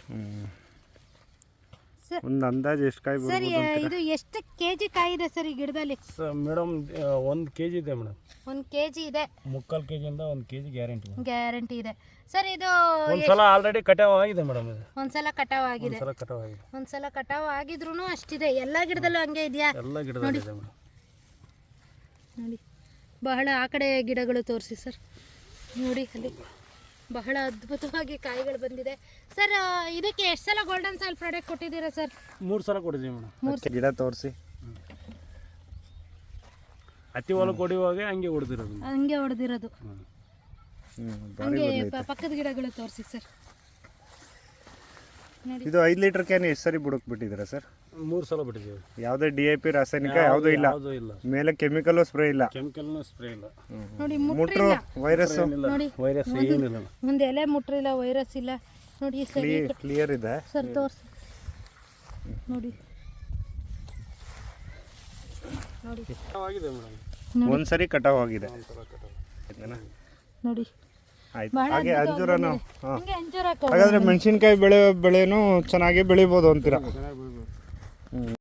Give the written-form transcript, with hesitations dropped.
ಒಂದು ಅಂದಾಜು ಎಷ್ಟು ಕಾಯಿ ಸರ್ ಇದು ಎಷ್ಟು ಕೆಜಿ ಕಾಯಿ ಇದೆ ಸರ್ ಈ ಗಿಡದಲ್ಲಿ? ಮೇಡಮ್ 1 kg ಇದೆ ಮೇಡಮ್. 1 kg ಇದೆ. 3/4 kg ಇಂದ 1 kg ಗ್ಯಾರಂಟಿ ಇದೆ ಸರ್. ಇದು ಒಂದ್ಸಲ ಆಲ್ರೆಡಿ ಕಟಾವ್ ಆಗಿದೆ ಮೇಡಮ್. ಒಂದ್ಸಲ ಕಟಾವ್ ಆಗಿದೆ. ಒಂದ್ಸಲ ಕಟಾವ್ ಆಗಿದ್ರು ಅಷ್ಟಿದೆ. ಎಲ್ಲಾ ಗಿಡದಲ್ಲೂ ಹಂಗೆ ಇದೆಯಾ? ಎಲ್ಲ ಗಿಡದಲ್ಲಿ ಇದೆ ಮೇಡಮ್. ನೋಡಿ ಬಹಳ ಆ ಕಡೆ ಗಿಡಗಳು ತೋರಿಸಿ ಸರ್. ನೋಡಿ ಅಲ್ಲಿ ಬಹಳ ಅದ್ಭುತವಾಗಿ ಕಾಯಿಗಳು ಬಂದಿದೆ ಸರ್. ಇದಕ್ಕೆ ಎಷ್ಟು ಸಲ ಗೋಲ್ಡನ್ ಸಾಯಿಲ್ ಪ್ರಾಡಕ್ಟ್ ಕೊಟ್ಟಿದ್ದೀರಾ ಸರ್? 3 ಸಲ ಕೊಟ್ಟಿದ್ದೀವಿ ಮೇಡಮ್. ಗಿಡ ತೋರಿಸಿ. ಹತ್ತಿ ಹೊಲಕ್ಕೆ ಹೊಡಿಯುವಾಗ ಹಂಗೆ ಹೊಡೆದಿರೋದು. ಹಂಗೆ ಪಕ್ಕದ ಗಿಡಗಳು ತೋರಿಸಿ ಸರ್. ಇದು 5 ಲೀಟರ್ ಕ್ಯಾನ್ ಎಷ್ಟು ಸರಿ ಬುಡಕ್ ಬಿಟ್ಟಿದ್ದೀರಾ ಸರ್? 3 ಸಲ ಬಿಟ್ಟಿದ್ದೀವಿ. ಯಾವುದೇ DAP ರಾಸಾಯನಿಕ ಯಾವುದೂ ಇಲ್ಲ, ಮೇಲೆ ಕೆಮಿಕಲ್ ಸ್ಪ್ರೇ ಇಲ್ಲ. ನೋಡಿ ಮುಟ್ರು ವೈರಸ್ ಏನಿಲ್ಲ. ಒಂದು ಎಲೆ ಮುಟ್ರಿಲ್ಲ, ವೈರಸ್ ಇಲ್ಲ. ನೋಡಿ ಕ್ಲಿಯರ್ ಇದೆ ಸರ್, ತೋರಿಸಿ. ನೋಡಿ ಒಂದ್ಸರಿ ಕಟಾವ್ ಆಗಿದೆ. ನೋಡಿ ಆಯ್ತು. ಹಾಗೆ ಅಂಜೂರನು, ಹಾಗಾದ್ರೆ ಮೆಣಸಿನ್ಕಾಯಿ ಬೆಳೆನೂ ಚೆನ್ನಾಗಿ ಬೆಳಿಬೋದು ಅಂತೀರಾ?